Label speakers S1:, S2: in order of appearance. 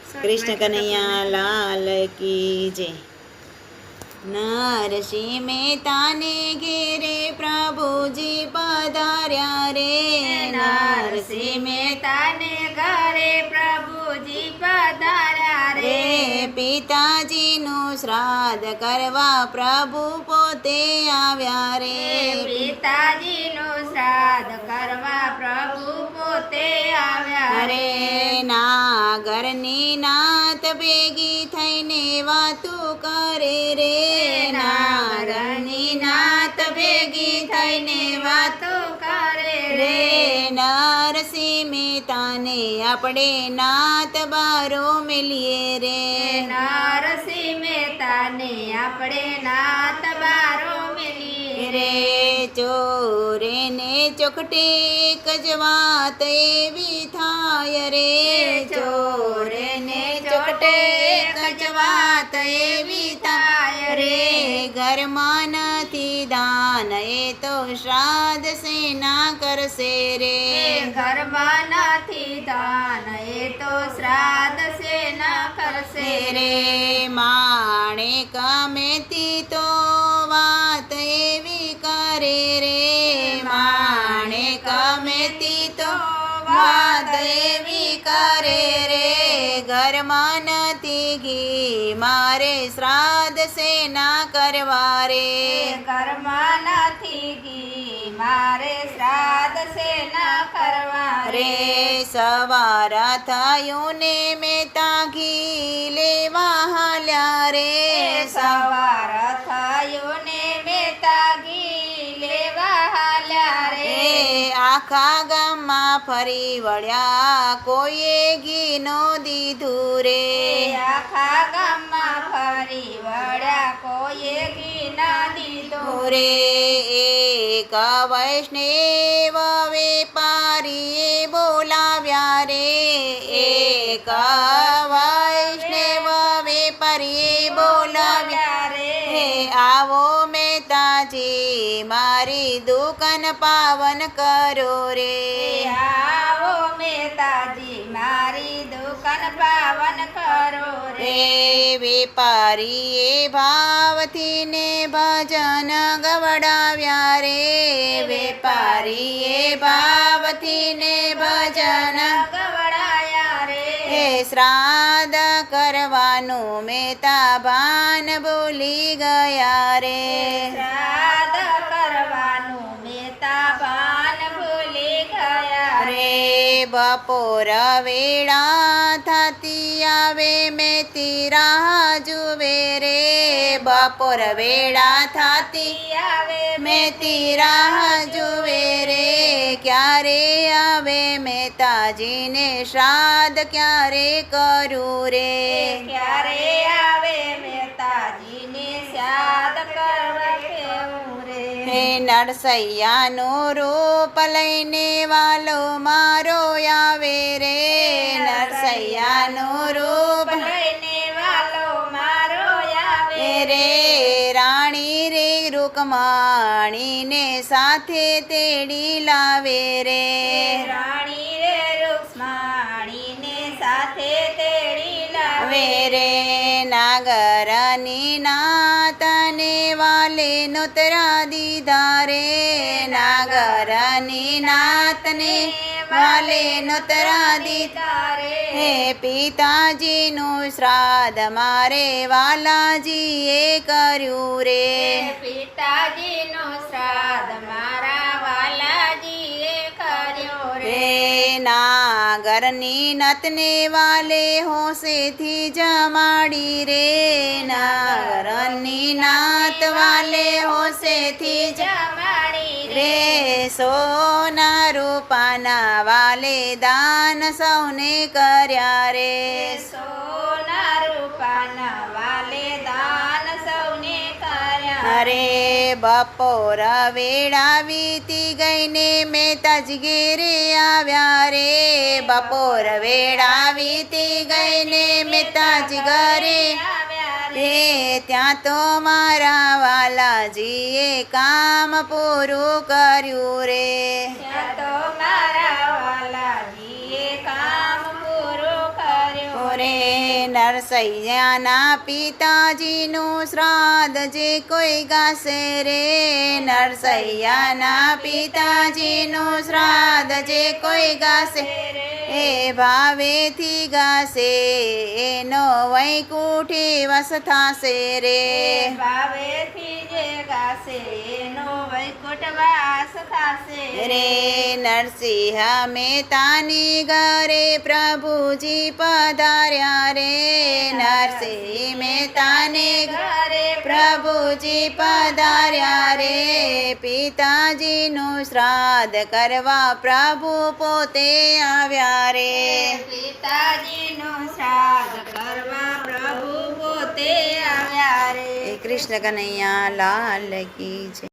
S1: कृष्ण कन्हैया लाल की जय। नरसिंह मेहता ने घेरे प्रभुजी पधार्या रे।
S2: नरसिंह मेहता ने घरे प्रभुजी पधार्या रे।
S1: पिताजीનું શ્રાદ્ધ કરવા પ્રભુ પોતે આવ્યા રે।
S2: પિતાજીનું શ્રાદ્ધ કરવા પ્રભુ પોતે આવ્યા રે।
S1: નાગરની નાત ભેગી થઈને વાતું કરે રે।
S2: નાગરની નાત ભેગી થઈને વાતો કરે રે।
S1: નરસિંહ મહેતાને આપણે નાત બારો મેલીએ રે।
S2: નરસિંહ મહેતાને આપણે નાત બારો મેલીએ રે।
S1: ચોરે ને ચોખટે એક જ વાત એવી થાય રે।
S2: ચોરે ને ચોખટે એક જ વાત એવી થાય રે।
S1: ઘરમાં નથી દાન એ તો શ્રાદ્ધ સેના કરશે રે।
S2: ઘરમાં નથી દાન એ તો શ્રાદ્ધ સેના કરશે રે।
S1: માણેક મેથી તો વાત એવી કરે રે। માણેક મેથી તો વાત એવી કરે રે। ઘરમાં નથી ઘી મારે શ્રાદ્ધ સેના કરવા રે।
S2: ઘરમાં નથી ઘી મારે શ્રાદ્ધ સેના કરવા રે।
S1: સવાર થયું ને મહેતા ઘી લેવા હાલ્યા રે।
S2: સવાર થયું ને મહેતા ઘી લેવા હાલ્યા રે।
S1: આખા ગામમાં ફરી વળ્યા કોઈએ ઘી નો દીધું રે।
S2: આખા ગામમાં ફરી વળ્યા કોઈએ ઘી ના દીધું રે।
S1: એક વૈષ્ણવ વેપારીએ બોલાવ્યા રે। એક વૈષ્ણવ વેપારીએ બોલાવ્યા
S2: રે।
S1: આવો મહેતાજી મારી દુકાન પાવન કરો રે।
S2: આવો મહેતાજી મારી દુકાન પાવન કરો રે।
S1: વેપારીએ ભાવથી ને ભજન ગવડાવ્યા રે। વેપારીએ ભાવથી ને ભજન
S2: ગવડાયા રે।
S1: શ્રાદ્ધ કરવાનું મહેતા ભાન ભૂલી ગયા રે।
S2: શ્રાદ્ધ કરવાનું મહેતા ભાન ભૂલી ગયા રે।
S1: બપોર વેળા થતી આવે મેથી રાહ જુએ રે। બપોર વેળા થતી
S2: આવે
S1: મેથી રાહ જુએ રે। ક્યારે આવે મહેતાજીને શ્રાદ્ધ ક્યારે કરું રે।
S2: ક્યારે આવે મહેતાજીને શ્રાદ્ધ કરવા કેવું રે।
S1: નરસૈયાનું રૂપ લઈને વાલો મારો આવે રે। નરસૈયાનું રૂપ
S2: લઈને વાલો મારો આવે
S1: રે। રાણી રે રૂકમાણીને સાથે તેડી લાવે રે।
S2: રાણી રે રૂક્ષ્મણીને સાથે તેડી લાવે
S1: રે। નાગરની નાતને વાલે નોતરા દીધા રે। નાગરની નાતને વાલે નોતરા દીધા
S2: રે।
S1: પિતાજીનું શ્રાદ્ધ મારે વાલાજીએ કર્યું રે।
S2: પિતાજીનું શ્રાદ્ધ મારા વાલાજીએ કર્યું રે।
S1: નાગરની નતને વાલે હોશેથી જમાડી રે। નાગરની નાત વાલે હોશેથી
S2: જમાડી
S1: રે। સોના રૂપાના વાલે દાન સૌને કર્યા રે।
S2: સોના રૂપાના વાલે દાન સૌને કર્યા
S1: અરે બપોર વેળા વીતી ગઈને મહેતાજી ઘેરે આવ્યા રે। બપોર વેળા વીતી ગઈને મહેતાજી ઘરે રે। ત્યાં તો મારા વાલાજીએ કામ પૂરું કર્યું રે।
S2: ત્યાં તો મારા વાલાજીએ કામ પૂરું કર્યું
S1: રે। નરસૈયાના પિતાજીનું શ્રાદ્ધ જે કોઈ ગાશે રે નરસૈયાના પિતાજીનું શ્રાદ્ધ જે કોઈ ગાશે એ ભાવેથી ગાશે એનો વૈકુંઠી વસ થાશે રે
S2: ભાવેથી જે ગાશે એનો વૈકુંઠ વાસ થાશે
S1: રે નરસિંહ મહેતાની ઘરે પ્રભુજી પધાર્યા રે નરસિંહ મહેતાને
S2: ઘરે
S1: પ્રભુજી પધાર્યા રે પિતાજીનું શ્રાદ્ધ કરવા પ્રભુ પોતે આવ્યા રે
S2: પિતાજીનું શ્રાદ્ધ કરવા પ્રભુ પોતે આવ્યા રે
S1: કૃષ્ણ કનૈયા લાલ કી જય.